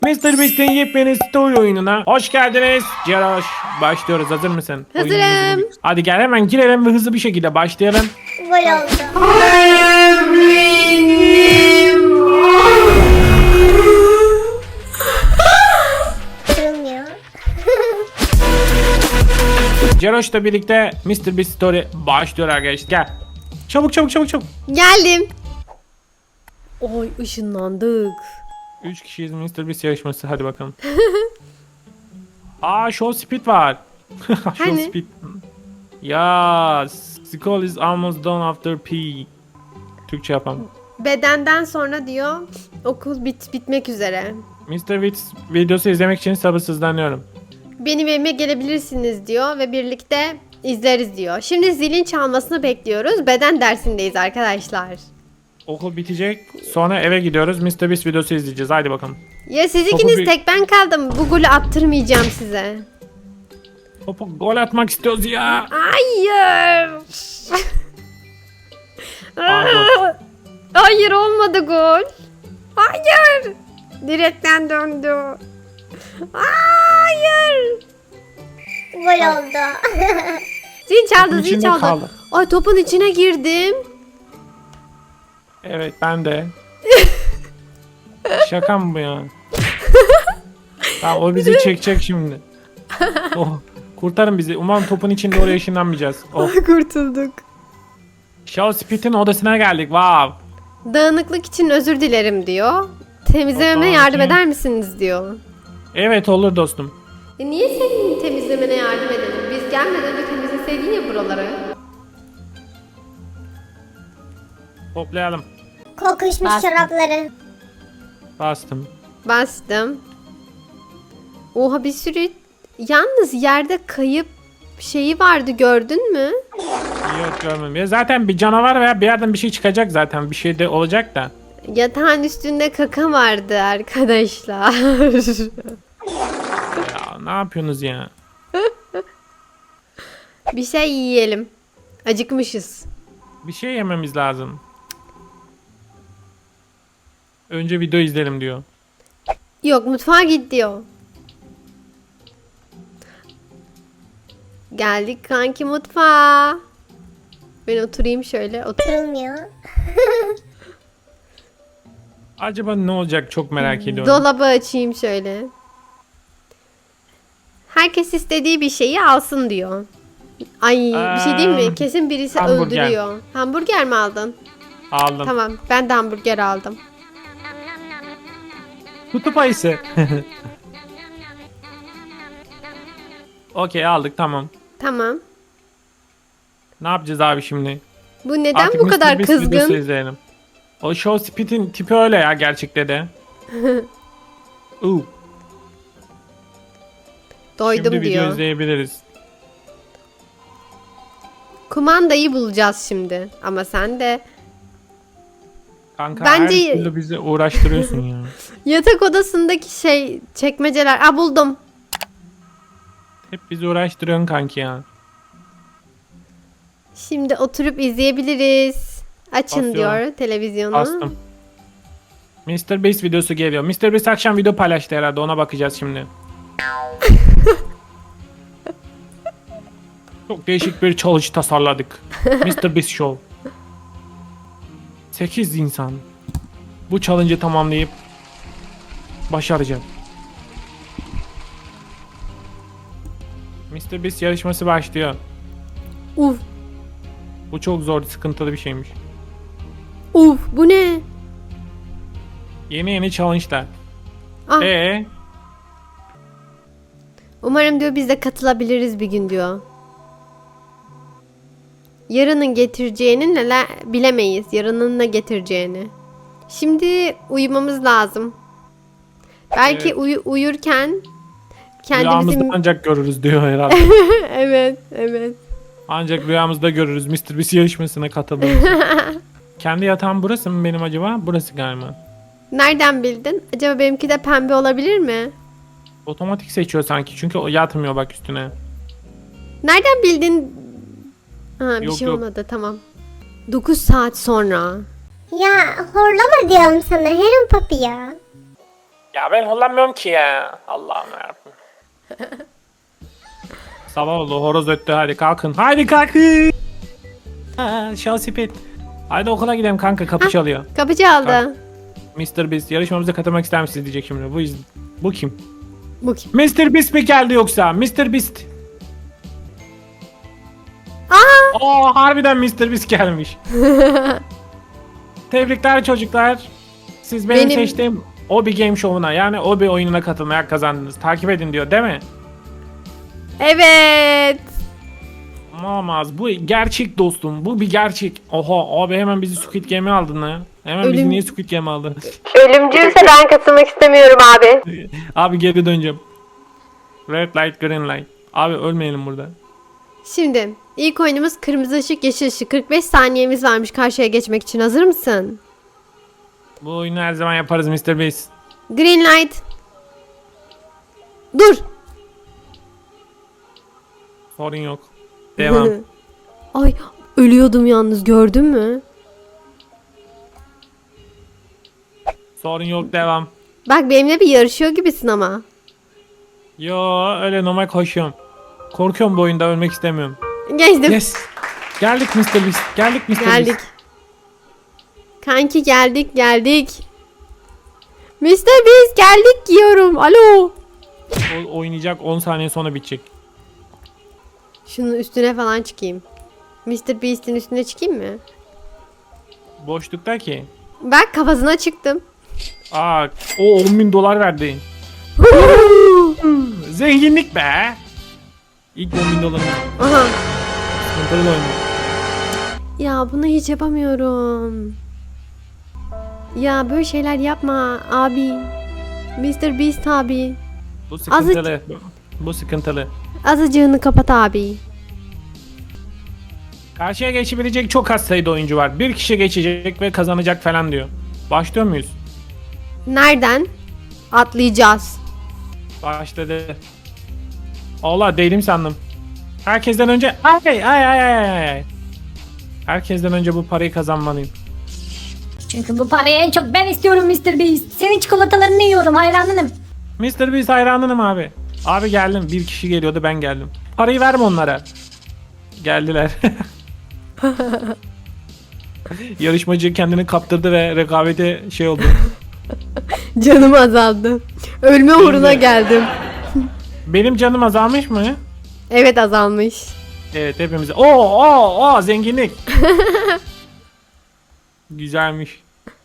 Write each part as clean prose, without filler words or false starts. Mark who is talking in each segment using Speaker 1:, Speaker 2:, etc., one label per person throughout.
Speaker 1: Mr. Beast'in yepyeni story oyununa hoş geldiniz. Ceroş, başlıyoruz. Hazır mısın?
Speaker 2: Hazırım.
Speaker 1: Hadi gel hemen girelim ve hızlı bir şekilde başlayalım.
Speaker 3: Gol oldu. Kırılmıyor.
Speaker 1: Ceroş'la birlikte Mr. Beast story başlıyor arkadaşlar. Gel. Çabuk çabuk çabuk çabuk.
Speaker 2: Geldim. Oy ışınlandık.
Speaker 1: 3 kişiyiz, Mr. Beast yarışması. Hadi bakalım. Aa, show speed var. Show
Speaker 2: Hani?
Speaker 1: speed. Ya, school is almost done after P. Türkçe yapalım.
Speaker 2: Bedenden sonra diyor okul bitmek üzere.
Speaker 1: Mr. Beast videosu izlemek için sabırsızlanıyorum.
Speaker 2: Benim evime gelebilirsiniz diyor ve birlikte izleriz diyor. Şimdi zilin çalmasını bekliyoruz. Beden dersindeyiz arkadaşlar.
Speaker 1: Okul bitecek. Sonra eve gidiyoruz. Mr. Beast videosu izleyeceğiz. Haydi bakalım.
Speaker 2: Ya siz
Speaker 1: Topu
Speaker 2: ikiniz
Speaker 1: bir-
Speaker 2: tek ben kaldım. Bu golü attırmayacağım size.
Speaker 1: Topu gol atmak istiyoruz ya.
Speaker 2: Hayır.
Speaker 1: Pardon.
Speaker 2: Hayır olmadı gol. Hayır. Direkten döndü. Hayır.
Speaker 3: Gol oldu.
Speaker 2: Zil çaldı,
Speaker 1: Topun
Speaker 2: zil
Speaker 1: içinde
Speaker 2: çaldı.
Speaker 1: kaldı.
Speaker 2: Ay topun içine girdim.
Speaker 1: Evet, ben de. Şaka mı bu ya? Ha, o bizi çekecek şimdi. Oh, kurtarın bizi. Umarım topun içinde oraya ışınlanmayacağız. Oh.
Speaker 2: Kurtulduk.
Speaker 1: Show Speed'in odasına geldik. Wow.
Speaker 2: Dağınıklık için özür dilerim diyor. Temizlememe
Speaker 1: Aa,
Speaker 2: yardım
Speaker 1: kim?
Speaker 2: eder misiniz diyor.
Speaker 1: Evet, olur dostum.
Speaker 2: Niye senin temizlemene yardım edelim? Biz gelmeden önce temizleseydin ya buraları.
Speaker 1: Toplayalım.
Speaker 3: Kokuşmuş
Speaker 2: Bastım.
Speaker 3: çorapları.
Speaker 1: Bastım.
Speaker 2: Bastım. Oha bir sürü... Yalnız yerde kayıp şeyi vardı gördün mü?
Speaker 1: Yok, görmedim. Ya zaten bir canavar veya bir yerden bir şey çıkacak zaten. Bir şey de olacak da.
Speaker 2: Yatağın üstünde kaka vardı arkadaşlar.
Speaker 1: Ya ne yapıyorsunuz ya?
Speaker 2: Bir şey yiyelim. Acıkmışız.
Speaker 1: Bir şey yememiz lazım. Önce video izleyelim diyor.
Speaker 2: Yok mutfağa git diyor. Geldik kanki mutfağa. Ben oturayım şöyle.
Speaker 3: Kırılmıyor.
Speaker 1: Acaba ne olacak, çok merak ediyorum.
Speaker 2: Dolabı açayım şöyle. Herkes istediği bir şeyi alsın diyor. Ay bir şey değil mi? Kesin birisi
Speaker 1: hamburger.
Speaker 2: öldürüyor. Hamburger mi aldın?
Speaker 1: Aldım.
Speaker 2: Tamam ben de hamburger aldım.
Speaker 1: Kutup ayısı. Okey, aldık, tamam.
Speaker 2: Tamam.
Speaker 1: Ne yapacağız abi şimdi?
Speaker 2: Bu neden
Speaker 1: Artık
Speaker 2: bu
Speaker 1: Mr.
Speaker 2: kadar
Speaker 1: Beast videosu
Speaker 2: kızgın?
Speaker 1: izleyelim. O Show Speed'in tipi öyle ya gerçekte de.
Speaker 2: Doydum
Speaker 1: Şimdi video
Speaker 2: diyor.
Speaker 1: izleyebiliriz.
Speaker 2: Kumandayı bulacağız şimdi. Ama sen de
Speaker 1: Kanka
Speaker 2: Bence-
Speaker 1: her türlü bizi uğraştırıyorsun ya.
Speaker 2: yatak odasındaki şey çekmeceler. Aa buldum.
Speaker 1: Hep bizi uğraştırıyorsun kanki ya.
Speaker 2: Şimdi oturup izleyebiliriz. Açın
Speaker 1: Basıyorum.
Speaker 2: diyor televizyonu.
Speaker 1: Bastım. Mr. Beast videosu geliyor. Mr. Beast akşam video paylaştı herhalde, ona bakacağız şimdi. Çok değişik bir challenge tasarladık. Mr. Beast Show. 8 insan bu challenge'ı tamamlayıp başaracak. Mr. Beast yarışması başlıyor.
Speaker 2: Uf.
Speaker 1: Bu çok zor, sıkıntılı bir şeymiş.
Speaker 2: Uf bu ne?
Speaker 1: Yeni challenge'lar.
Speaker 2: Ah, umarım diyor biz de katılabiliriz bir gün diyor. Yarının getireceğini neler bilemeyiz. Yarının ne getireceğini. Şimdi uyumamız lazım. Belki
Speaker 1: Evet.
Speaker 2: uyurken
Speaker 1: Rüyamızda
Speaker 2: kendimizi...
Speaker 1: ancak görürüz diyor herhalde.
Speaker 2: Evet, evet.
Speaker 1: Ancak rüyamızda görürüz Mr. Beast yarışmasına katıldığımızı. Kendi yatağım burası mı benim acaba? Burası galiba.
Speaker 2: Nereden bildin? Acaba benimki de pembe olabilir mi?
Speaker 1: Otomatik seçiyor sanki çünkü o yatmıyor bak üstüne.
Speaker 2: Nereden bildin? Ha bir
Speaker 1: Yok,
Speaker 2: şey
Speaker 1: yok.
Speaker 2: olmadı tamam. 9 saat sonra.
Speaker 3: Ya horlama diyorum sana Heron Papi ya.
Speaker 1: Ya ben kullanmıyorum ki ya. Allah'ım yarabbim. Sabah oldu, horoz öttü, hadi kalkın. Hadi kalkın. Şahsi pet. Hadi okula gidelim kanka, kapı çalıyor.
Speaker 2: Kapı çaldı.
Speaker 1: Kalk. Mr. Beast yarışmamıza katılmak ister misiniz diyecek şimdi. Bu kim?
Speaker 2: Bu kim?
Speaker 1: Mr. Beast mi geldi yoksa? Mr. Beast.
Speaker 2: Aa!
Speaker 1: Harbiden Mr. Beast gelmiş. Tebrikler çocuklar. Siz benim seçtiğim Obi Game Show'una, yani Obi oyununa katılmaya kazandınız. Takip edin diyor değil mi?
Speaker 2: Evet.
Speaker 1: Olamaz. Bu gerçek dostum. Bu bir gerçek. Oha abi, hemen bizi Squid Game'e aldın ha. Hemen bizi niye Squid Game'e aldın?
Speaker 2: Ölümcülse ben katılmak istemiyorum abi.
Speaker 1: Abi geri döneceğim. Red light, green light. Abi ölmeyelim burada.
Speaker 2: Şimdi ilk oyunumuz kırmızı ışık, yeşil ışık. 45 saniyemiz varmış karşıya geçmek için. Hazır mısın?
Speaker 1: Bu oyunu her zaman yaparız Mr. Beast.
Speaker 2: Green light. Dur.
Speaker 1: Sorun yok. Devam.
Speaker 2: Ay ölüyordum yalnız, gördün mü?
Speaker 1: Sorun yok, devam.
Speaker 2: Bak benimle bir yarışıyor gibisin ama.
Speaker 1: Yo, öyle normal koşuyorum. Korkuyorum bu oyunda, ölmek istemiyorum.
Speaker 2: Geçtim.
Speaker 1: Yes. Geldik Mr. Beast. Geldik Mr.
Speaker 2: Geldik.
Speaker 1: Beast.
Speaker 2: Kanki geldik. Mr. Beast geldik diyorum. Alo.
Speaker 1: O oynayacak, 10 saniye sonra bitecek.
Speaker 2: Şunun üstüne falan çıkayım. Mr. Beast'in üstüne çıkayım mı?
Speaker 1: Boşlukta ki.
Speaker 2: Bak kafasına çıktım.
Speaker 1: Aa, o 10.000 dolar verdi. Zenginlik be. İlk 10.000 dolar.
Speaker 2: Aha.
Speaker 1: Sıkıntılı oyun.
Speaker 2: Ya bunu hiç yapamıyorum. Ya böyle şeyler yapma abi. Mr. Beast abi.
Speaker 1: Bu sıkıntılı. Bu sıkıntılı.
Speaker 2: Azıcığını kapat abi.
Speaker 1: Karşıya geçebilecek çok az sayıda oyuncu var. Bir kişi geçecek ve kazanacak falan diyor. Başlıyor muyuz?
Speaker 2: Nereden? Atlayacağız.
Speaker 1: Başladı. Allah, değilim sandım. Herkesten önce ay. Herkesten önce bu parayı kazanmalıyım.
Speaker 4: Çünkü bu parayı en çok ben istiyorum Mr. Beast. Senin çikolatalarını yiyorum, hayranınım.
Speaker 1: Mr. Beast hayranınım abi. Abi geldim. Bir kişi geliyordu, ben geldim. Parayı verme onlara. Geldiler. Yarışmacı kendini kaptırdı ve rekabete şey oldu.
Speaker 2: Canım azaldı. Ölme uğruna geldim.
Speaker 1: Benim canım azalmış mı?
Speaker 2: Evet azalmış.
Speaker 1: Evet, hepimize. Oo zenginlik. Güzelmiş.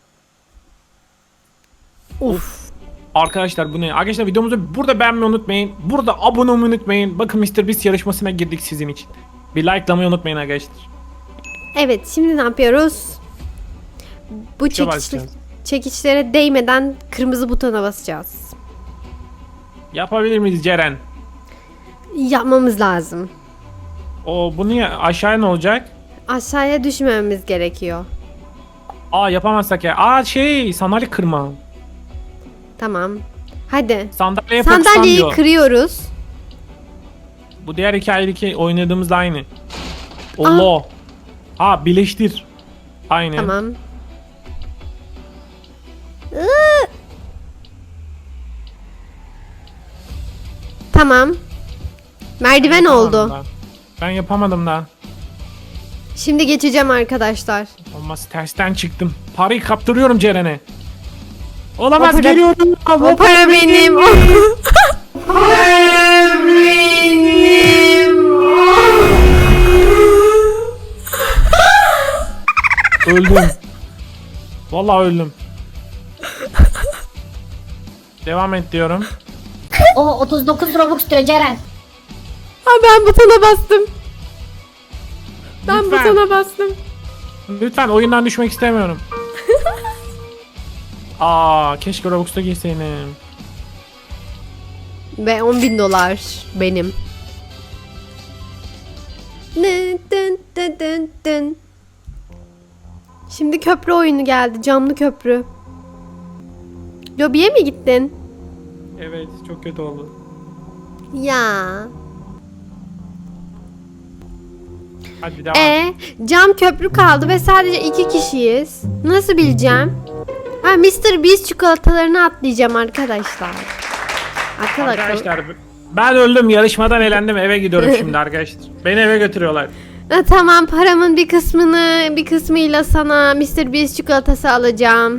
Speaker 2: Uf.
Speaker 1: Arkadaşlar bu ne? Arkadaşlar videomuzu burada beğenmeyi unutmayın. Burada abone olmayı unutmayın. Bakın Mr. Beast yarışmasına girdik sizin için. Bir likelamayı unutmayın arkadaşlar.
Speaker 2: Evet, şimdi ne yapıyoruz? Bu
Speaker 1: Tuşa basacağız.
Speaker 2: çekiçlere değmeden kırmızı butona basacağız.
Speaker 1: Yapabilir miyiz Ceren?
Speaker 2: Yapmamız lazım.
Speaker 1: Bu niye? Aşağıya ne olacak?
Speaker 2: Aşağıya düşmememiz gerekiyor.
Speaker 1: Yapamazsak ya. Sandalye kırma.
Speaker 2: Tamam. Hadi.
Speaker 1: Sandalye fokuslan
Speaker 2: Sandalyeyi
Speaker 1: diyor.
Speaker 2: kırıyoruz.
Speaker 1: Bu diğer hikayedeki oynadığımızla aynı. Allah. Birleştir. Aynı.
Speaker 2: Tamam. Tamam. Merdiven oldu.
Speaker 1: Ben yapamadım daha.
Speaker 2: Şimdi geçeceğim arkadaşlar.
Speaker 1: Olmaz, tersten çıktım. Parayı kaptırıyorum Ceren'e. Olamaz,
Speaker 2: O para-
Speaker 1: geliyorum.
Speaker 2: O para benim.
Speaker 1: Öldüm. Vallahi öldüm. Devam et diyorum.
Speaker 4: O 39 Robux diyor Ceren.
Speaker 2: Ha, ben butona bastım. Ben
Speaker 1: Lütfen.
Speaker 2: butona bastım.
Speaker 1: Lütfen, oyundan düşmek istemiyorum. Keşke Robux'ta girseydim.
Speaker 2: Ve 10.000 dolar benim. Dın dın dın dın. Şimdi köprü oyunu geldi. Camlı köprü. Lobiye mi gittin?
Speaker 1: Evet, çok kötü oldu.
Speaker 2: Ya.
Speaker 1: Hadi devam.
Speaker 2: Cam köprü kaldı ve sadece 2 kişiyiz. Nasıl bileceğim? Ha, Mr. Beast çikolatalarını atlayacağım arkadaşlar.
Speaker 1: Arkadaşlar ben öldüm, yarışmadan elendim, eve gidiyorum şimdi arkadaşlar. Beni eve götürüyorlar.
Speaker 2: Ha, tamam, paramın bir kısmıyla sana Mr. Beast çikolatası alacağım.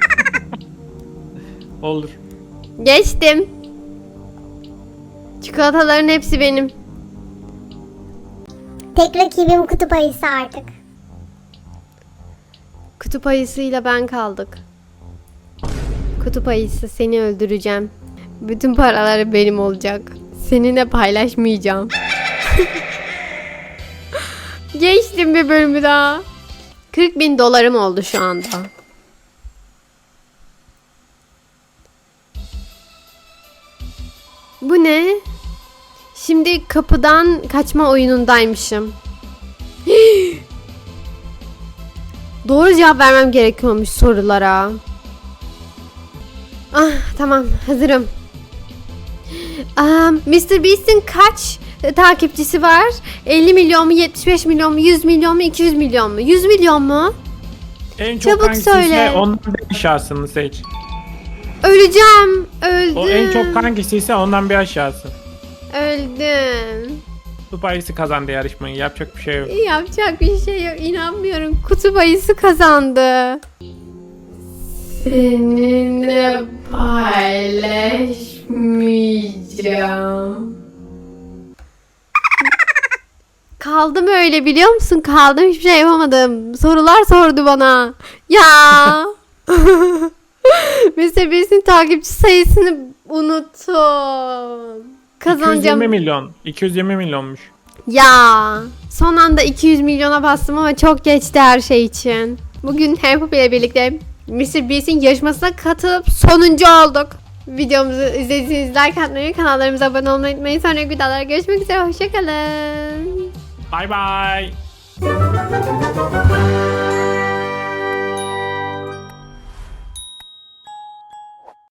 Speaker 1: Olur.
Speaker 2: Geçtim. Çikolataların hepsi benim.
Speaker 3: Tek rakibim kutup ayısı artık.
Speaker 2: Kutup ayısıyla ben kaldık. Kutup ayısı, seni öldüreceğim. Bütün paraları benim olacak. Seninle paylaşmayacağım. Geçtim bir bölümü daha. 40.000 dolarım oldu şu anda. Bu ne? Şimdi kapıdan kaçma oyunundaymışım. Doğru cevap vermem gerekiyormuş sorulara. Ah, tamam, hazırım. Mr. Beast'in kaç takipçisi var? 50 milyon mu, 75 milyon mu, 100 milyon mu, 200 milyon mu? 100 milyon mu?
Speaker 1: En çok
Speaker 2: Çabuk
Speaker 1: hangisi
Speaker 2: söyle.
Speaker 1: ise ondan bir aşağısını seç.
Speaker 2: Öleceğim. Öldüm.
Speaker 1: O en çok hangisi ise ondan bir aşağısı.
Speaker 2: Öldüm.
Speaker 1: Kutup ayısı kazandı yarışmayı. Yapacak bir şey yok.
Speaker 2: Yapacak bir şey yok. İnanmıyorum. Kutup ayısı kazandı. Seninle paylaşmayacağım. Kaldım öyle, biliyor musun? Kaldım, hiçbir şey yapamadım. Sorular sordu bana. Ya. Mr. Beast'in takipçi sayısını unuttum. Kazanacağım.
Speaker 1: 220 milyon. 220 milyonmuş.
Speaker 2: Ya, son anda 200 milyona bastım ama çok geçti her şey için. Bugün Hempup ile birlikte Mr. Beast'in yarışmasına katılıp sonuncu olduk. Videomuzu izlediğiniz, like atmayı, kanallarımıza abone olmayı unutmayın. Sonraki videolarda görüşmek üzere. Hoşçakalın.
Speaker 1: Bye bye.